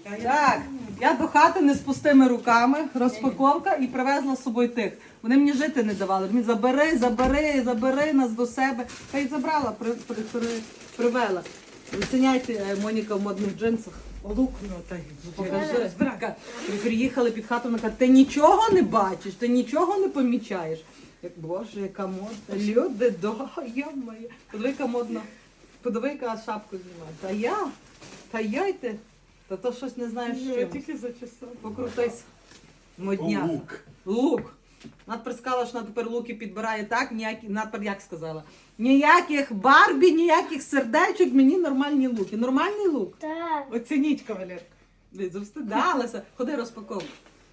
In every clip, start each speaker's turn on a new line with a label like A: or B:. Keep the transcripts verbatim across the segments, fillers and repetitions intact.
A: Так, я до хати не з пустими руками, розпаковка і привезла з собою тих. Вони мені жити не давали. Мені забери, забери, забери нас до себе. Та й забрала, при, при, при, привела. Оціняйте, Моніка в модних джинсах.
B: Лук, ну, та й
A: Покажи. Така, приїхали під хату, вона каже, ти нічого не бачиш, ти нічого не помічаєш. Як, Боже, яка модна. Люди, да, я моя. Подиви, яка модна. Подиви, яка шапку знімає. Та я, та я й ти. Та то щось не знаєш
B: я
A: чим.
B: тільки зачесала.
A: Покрутись. Модня.
C: Лук.
A: Лук. Надпер сказала, що вона тепер луки підбирає так, ніякі, надпер як сказала? Ніяких Барбі, ніяких сердечок, мені нормальні луки. Нормальний лук?
D: Так.
B: Оцініть, кавалерка.
A: Блін, завстидалася. Ходи розпаковуй.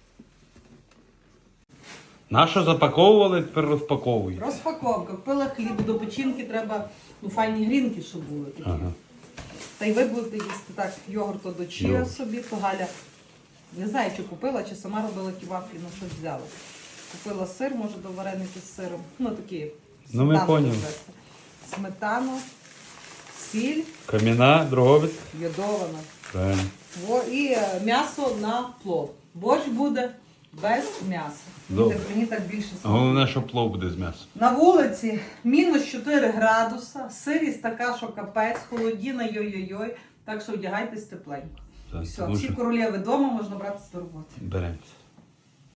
C: Нащо запаковували, тепер розпаковують.
A: Розпаковка. Купила хліб, до печінки треба, ну, файні грінки, щоб були такі.
C: Ага.
A: Та й ви будете їсти так йогурту до чия
C: Йогурт.
A: собі, то Галя, не знаю, чи купила, чи сама робила ті вафлі, ну щось взяла. Купила сир, може, до вареники з сиром. Ну, такі.
C: Ну, ми
A: сметану
C: поняли.
A: довести. Сметану, сіль,
C: Кам'яна, дроговець.
A: йодована.
C: Правильно.
A: Во, і е, м'ясо на плов. Борщ буде без м'яса.
C: Добре.
A: Мені, мені так більше смакує.
C: Головне, що плов буде з м'ясом.
A: На вулиці мінус чотири градуса, сирість така, що капець, холодіна, йой-йой-йой. Так що одягайтесь тепленько.
C: Так,
A: Все,
C: тому
A: всі
C: що
A: королеви вдома, можна братися до роботи.
C: беремося.